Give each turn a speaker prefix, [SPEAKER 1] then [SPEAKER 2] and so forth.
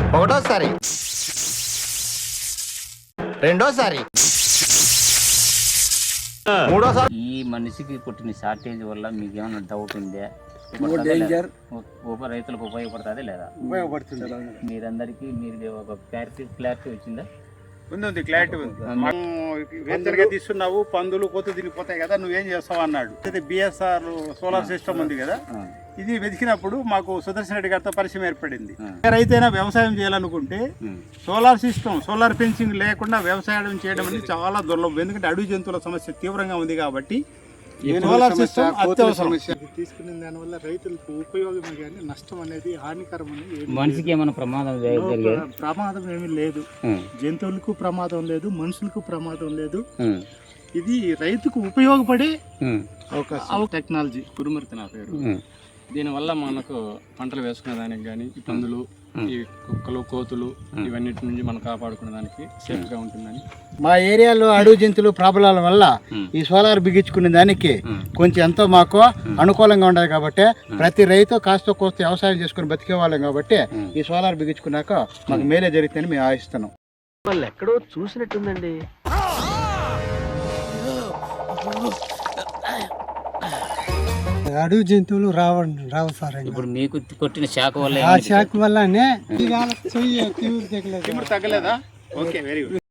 [SPEAKER 1] ఒకటోసారి, రెండోసారి, మూడోసారి.
[SPEAKER 2] ఈ మనిషికి కొట్టిన షార్టేజ్ వల్ల మీకు ఏమైనా డౌట్ ఉందా? రైతులకు ఉపయోగపడుతుంది లేదా?
[SPEAKER 3] ఉపయోగపడుతుంది.
[SPEAKER 2] మీరందరికీ మీరు ఒక క్లారిటీ వచ్చిందా?
[SPEAKER 3] ఉంది, క్లారిటీ ఉంది. మనం వెంచర్గా తీస్తున్నావు, పందులు కొత్త తిరిగిపోతాయి కదా, నువ్వేం చేస్తావు అన్నాడు. అయితే బిఎస్ఆర్ సోలార్ సిస్టమ్ ఉంది కదా, ఇది వెతికినప్పుడు మాకు సుదర్శన్ రెడ్డి గారితో పరిచయం ఏర్పడింది. రైతైనా వ్యవసాయం చేయాలనుకుంటే సోలార్ సిస్టమ్, సోలార్ ఫెన్సింగ్ లేకుండా వ్యవసాయం చేయడం అనేది చాలా దుర్లభం. ఎందుకంటే అడవి జంతువుల సమస్య తీవ్రంగా ఉంది కాబట్టి సోలార్ సిస్టమ్ అత్యవసరం.
[SPEAKER 4] తీసుకునే దానివల్ల రైతులకు ఉపయోగమే కానీ నష్టం అనేది హానికరం అనేది
[SPEAKER 2] మనిషికి ఏమైనా
[SPEAKER 4] ప్రమాదం ఏమీ లేదు. జంతువులకు ప్రమాదం లేదు, మనుషులకు ప్రమాదం లేదు. ఇది రైతుకు ఉపయోగపడే అవకాశం. టెక్నాలజీ
[SPEAKER 5] కురుమూర్తి నా పేరు. దీనివల్ల మనకు పంటలు వేసుకునే దానికి కానీ ఈ పందులు, ఈ కుక్కలు, కోతులు ఇవన్నిటి నుంచి మనం కాపాడుకునే దానికి సేఫ్గా ఉంటుందని.
[SPEAKER 6] మా ఏరియాలో అడవి జంతువులు ప్రాబ్లాల వల్ల ఈ సోలార్ బిగించుకునే దానికి కొంచెం ఎంతో మాకు అనుకూలంగా ఉండదు కాబట్టి ప్రతి రైతు కాస్త కోస్త వ్యవసాయం చేసుకుని బతికే వాళ్ళం కాబట్టి ఈ సోలార్ బిగించుకున్నాక మాకు మేలే జరుగుతుందని మేము ఆశిస్తున్నాం.
[SPEAKER 1] వాళ్ళు ఎక్కడో చూసినట్టుందండి.
[SPEAKER 4] అడవి జంతువులు రావు సార్.
[SPEAKER 2] ఇప్పుడు మీకు కొట్టిన శాఖ వల్ల
[SPEAKER 4] ఆ శాఖ వల్లనే
[SPEAKER 3] తగ్గలేదా? Okay, very good.